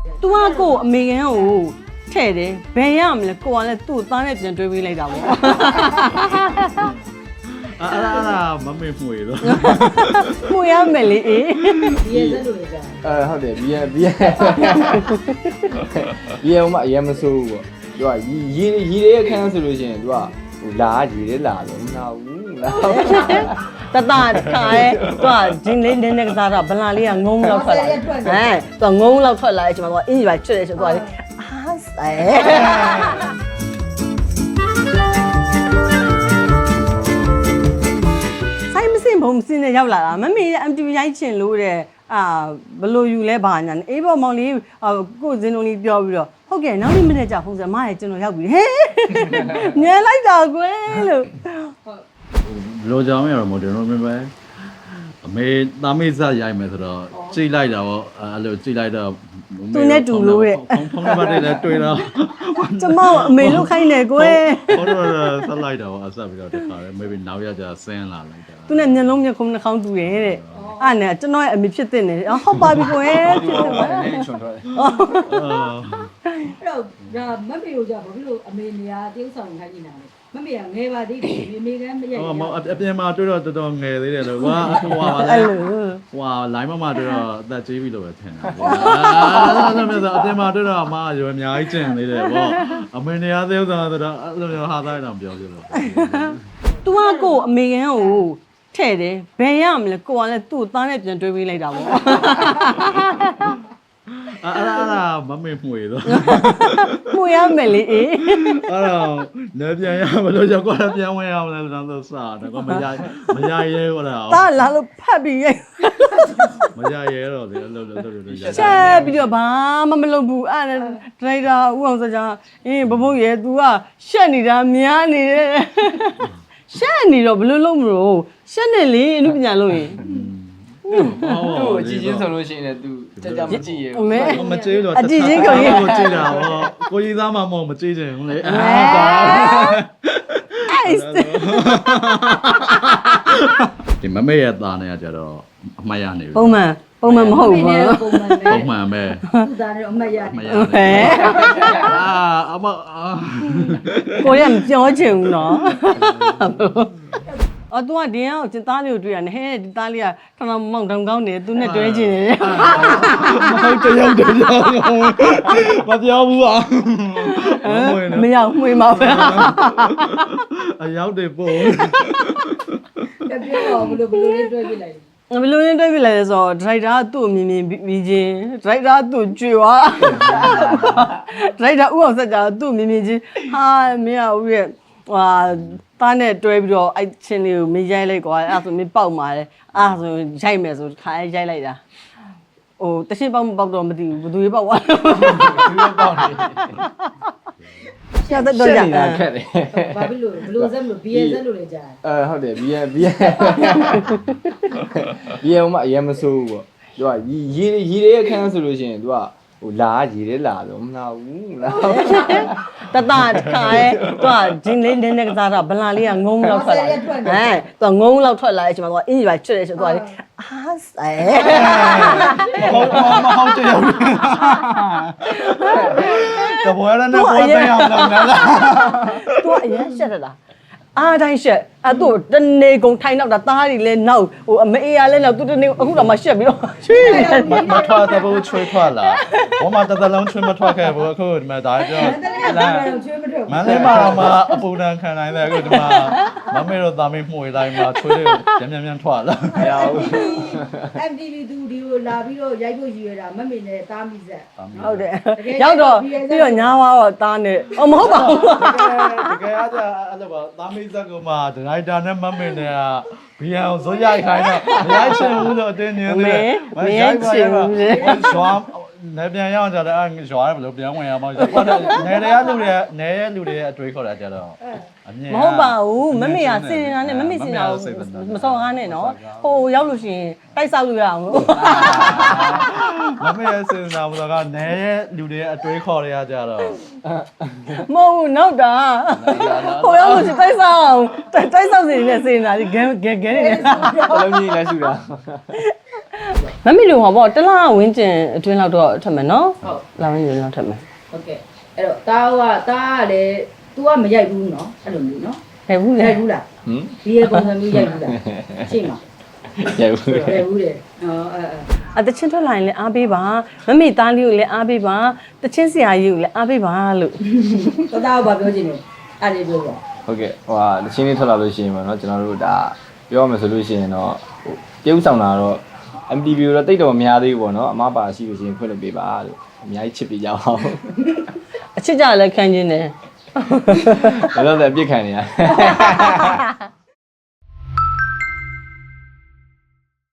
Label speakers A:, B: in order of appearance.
A: तू ကကိုအမေကန်ကိုထဲ့တယ်ဘယ်ရမလဲကိုကလည်းသူ့သားနဲ့ပြန်တွဲပေးလိုက်တာပေါ့
B: မမေ့မှုရတော့
A: မှုရမယ်လေအေး
C: ဒီရဲ့စက်လို့ကြာ
D: ဟုတ်တယ်ဘီယံမအရင်မဆိုးဘူးပေါ့သူကရီတဲ့အခန်းဆိုလို့ရှိရင်သူကဟိုလာရီတဲ့လာတော့မနာဘူးလား
A: တတခါရဲသူကဂျင်းလေးနည်းနည်းကစားတော့ဗလာလေးကငုံလောက်ထွက်လာသူကငုံလောက်ထွက်လာတဲ့အချိန်မှာသူကအင်းကြီးပါချွတ်တယ်ဆိုသူကလေအားဆဲဆိုင်မစင်ဘုံစင်းနဲ့ရောက်လာတာမမေရဲ့ MTV ရိုက်ချင်လို့တဲ့ဘလို့ယူလဲဘာညာအေးပေါ်မောင်လေးကိုဇင်းလုံးလေးပြောပြီးတော့ဟုတ်ကဲ့နောက်နေ့မနေ့ကျဖုန်းဆက်မရဲ့ကျွန်တော်ရောက်ပြီဟဲ့ညံလိုက်တာကွယ်လို့
B: လိုကြောင်ရတော့မို့တယ်နော်မင်းပဲအမေသားမေးစားရိုက်မယ်ဆိုတော့ကြိတ်လိုက်တာပေါ့အဲ့လိုကြိတ်လိုက်တော့
A: သူနဲ့တူလို့တဲ့
B: ဖုန်းနံပါတ်တွေလည်းတွေ့တော့
A: ကျမအမေလို့ခိုင်းတယ်ကွယ်
B: ဟုတ်တော့ဆက်လိုက်တော့အဆက်ပြီးတော့တခါလေ maybe နောက်ရကြဆင်းလာလိုက်တာ
A: သူနဲ့မျက်လုံးမျက်ခုံးနှာခေါင်းတူတယ်တဲ့အဲ့နဲ့ကျွန်တော်ရဲ့အမေဖြစ်တဲ့နေဟုတ်ပါပြီကွယ်ဖြစ်တယ်ပါ
D: အဲ့ချွန်ထွက်တယ်
C: အဲ့တော့ဒါမမေကိုကြာဘာဖြစ်လို့အမေနေရာတရုပ်ဆောင်ခိုင်းနေတာလဲမမေကငယ်ပါသေးတယ်မေကမရိုက်
B: ဘူးအပြင်မှာတွေ့တော့တော်တော်ငယ်သေးတယ်လို့ဟွာလိုင်းမတွေ့တော့အသက်ကြီးပြီလို့ပဲထင်တာအဲ့လိုမျိုးဆိုအပြင်မှာတွေ့တော့အမရွယ်အများကြီးကျင်သေးတယ်ပေါ့အမေနေရာသေးဥစ္စာဆိုတော့အဲ့လိုမျိုးဟာသားတောင်ပြောပြလို့
A: तू ကကိုအမေကန်ကိုထဲ့တယ်ဘယ်ရမလဲကိုကလည်းသူ့သားနဲ့ပြန်တွဲပေးလိုက်တာပေါ့
B: မမေ့မှုရတော့
A: မှုရမယ်လေအေး
B: အဲ့တော့လည်းပြန်ရမလို့ကြောက်တော့ပြန်ဝင်ရမလဲဆိုတော့စာတော့မရရဲဟုတ်လား
A: တာလာလို့ဖတ်ပြီးရဲ့
B: မရရဲတော့ဒီလို
A: ချက်ပြီးတော့ဘာမှမလုပ်ဘူးအဲ့ဒါဒရိုက်တာဦးအောင်စကြာဘဘုတ်ရဲ့ तू ကရှက်နေတာများနေတယ်ရှက်နေတော့ဘယ်လိုလုပ်မလို့ရှက်နေလေအမှုပညာလုပ်ရင်
D: သူ့အကြည့်ချင်းဆိုလို့ရှိရင်လည်း तू ကြမကြည့်ရဘူး
B: မကြည့်တော့
A: အကြည့်ချင်းကို
B: ကြည့်တာဟောကိုကြီးသားမှမဟုတ်မကြည့်ချင်ဘူးလေဒီမမေ့ရသားနေကြတော့အမှတ်ရနေပြီ
A: ပုံမှန်မဟုတ်ဘူး
B: ပုံမှန်ပဲ
C: သူသားနဲ့အမှတ်ရ
A: ဟဲ့ကိုရမပြောချင်ဘူးနော်သူကဒီအောင်ကျသားလေးကိုတွေ့ရတယ်ဟဲ့ဒီသားလေးကထောင်မောင်တောင်ကောင်းနေသူနဲ့တွဲချင်တယ်
B: ဟုတ်တယောက်မပြောဘူးอ่ะ
A: မရောက်မှွေမှာပဲ
B: အရောက်တယ်ပို့
C: တပြောတော့ဘယ်လိုတွဲပြလိုက်
A: ဘယ်လိုတွဲပြလိုက်လဲဆိုတော့ဒရိုက်တာကသူ့မြင်ပြီးချင်းဒရိုက်တာသူ့ကြွေသွားဒရိုက်တာဥအောင်ဆက်ကြသူ့မြင်ချင်းဟာမင်းကဦးရဲ့သားနဲ့တွဲပြီးတော့အဲ့ချင်းလေးကိုမရိုက်လိုက်ကွာအဲ့ဆိုမင်းပေါက်มาတယ်အဲ့ဆိုရိုက်မယ်ဆိုခါရိုက်လိုက်တာတရှင်းပေါက်မပေါက်တော့မသိဘူးဘယ်သူပေါက်သွား
D: သူပေါက်နေ
A: ရှာတော့ကြာ
D: ခက်တယ်
C: ဘာဖြစ်လို့ဘလို့ဆက်လို့ BS ဆက်လို့လည်းကြာ
D: ဟုတ်တယ် BS မအရင်မဆိုးဘူးပေါ့သူကရီတဲ့အခန်းဆိုလို့ရှိရင်သူကဟိုလာရီတဲ့လာတော့မနာဘူးလား
A: တတခါရဲသူကဂျင်းလေးနည်းနည်းကစားတော့ဗလာလေးကငုံလောက်ထွက်လာသူကငုံလောက်ထွက်လာတဲ့အချိန်မှာသူကအင်းကြီးပါချွတ်တယ်ဆိုသူကလေအားဆဲ
B: မဟုတ်တယ်တော့ဘောရတဲ့ဘောတဲ့အောင်လုပ်နေလား
A: သူကအရင်ရှက်တယ်လားအားတိုင်းရှက်သူ့တနေကုန်ထိုင်တော့တာသားတွေလဲနောက်အမေရလဲနောက်သူတနေအခုတော့မှရှက်ပြီးတော့ချွေး
B: မထွက်တဲ့ဘူးချွေးထွက်လာဘောမတတလုံးချွေးမထွက်ခဲ့ဘူးအခုဒီမှာဒါကြောင့်မလေးမတော့မှအပူဒဏ်ခံနိုင်တယ်အခုဒီမှာမမေတို့သားမေးမှုဝေးတိုင်းမှာချွေးတွေပြန်ထွက်လာ
D: မရဘူး
C: MTV သူဒီကိုလာပြီးတော့ရိုက်ဖို့ရည်ရတာမမေနဲ့တားမိဆက်
A: ဟုတ်တယ်ရောက်တော့ပြီးတော့ညာသွားတော့တားနေမဟုတ်ပါဘူး
B: တကယ်အားကြအဲ့လိုပါသားမေးဇက်ကမှဒရိုက်တာနဲ့မမေနဲ့ကဘီယံကိုဇွတ်ရိုက်ခိုင်းတော့မရိုက်ချင်ဘူးလို့အတင်းနေတယ်
A: မရိုက်ချင်ဘူး
B: ဇွာနေပြန်ရအောင်ကြတယ်အဲ့ဇွာဘယ်လိုပြန်ဝင်ရမှာလဲနေရလူတွေအတွေးခေါ်တာကြတော့
A: မဟုတ်ပါဘူးမမေကစင်နေတာနဲ့မမေစင်တာမစော်ကားနဲ့နော်ဟိုရောက်လို့ရှိရင်တိုက်ဆောက်လို့ရအောင်လို့
B: မမေရဲ့စင်နေတာမစော်ကားနေလူတွေအတွေးခေါ်ရကြတော့
A: မဟုတ်နောက်တာဟိုရောက်လို့ရှိရင်တိုက်ဆောက်စင်နေစင်နေတာဒီဂဲနေ
D: လုံးကြီးလဲဆူတာ
A: မမေတို့ဟောပေါ့တလားဝင်းကျင်အတွင်းလောက်တော့ထက်မယ်နော်
C: ဟုတ်
A: လာဝင်းကျင်လောက်ထက်မယ်
C: ဟုတ်ကဲ့အဲ့တော့တားကလည်း तू ကမရိုက်ဘူးနော်အဲ့လိုမျိုးနော်
A: ဟဲ့ဘူးလေ
C: ရိုက်ဘူးလား
D: ဟမ်
C: ဒီရဲ့ပုံစံမျိုးရိုက်ဘူးလားရှင်းပါ
D: ရိုက်ဘူး
C: ရိုက်ဘူးတယ်အဲ
A: တချင်းထွက်လာရင်လည်းအားပေးပါမမေသားလေးကိုလည်းအားပေးပါတချင်းဆရာကြီးကိုလည်းအားပေးပါလို့
C: တားကဘာပြောချင်လဲအဲ့ဒီပြောပါ
D: ဟုတ်ကဲ့ဟိုဟာတချင်းလေးထွက်လာလို့ရှိရင်ပေါ့နော်ကျွန်တော်တို့ဒါပြောရမယ်ဆိုလို့ရှိရင်တော့ဟိုပြုံးဆောင်တာတော့ MTV တော့တိတ်တော့မများသေးဘူးပေါ့နော်အမပါရှိလို့ရှိရင်ဖွင့်လို့ပေးပါလို့အများကြီးချစ်ပေးကြအောင်
A: အချစ်ကြလည်းခံကျင်တယ်
D: ဘယ်တော့လဲပြစ်ခံနေရ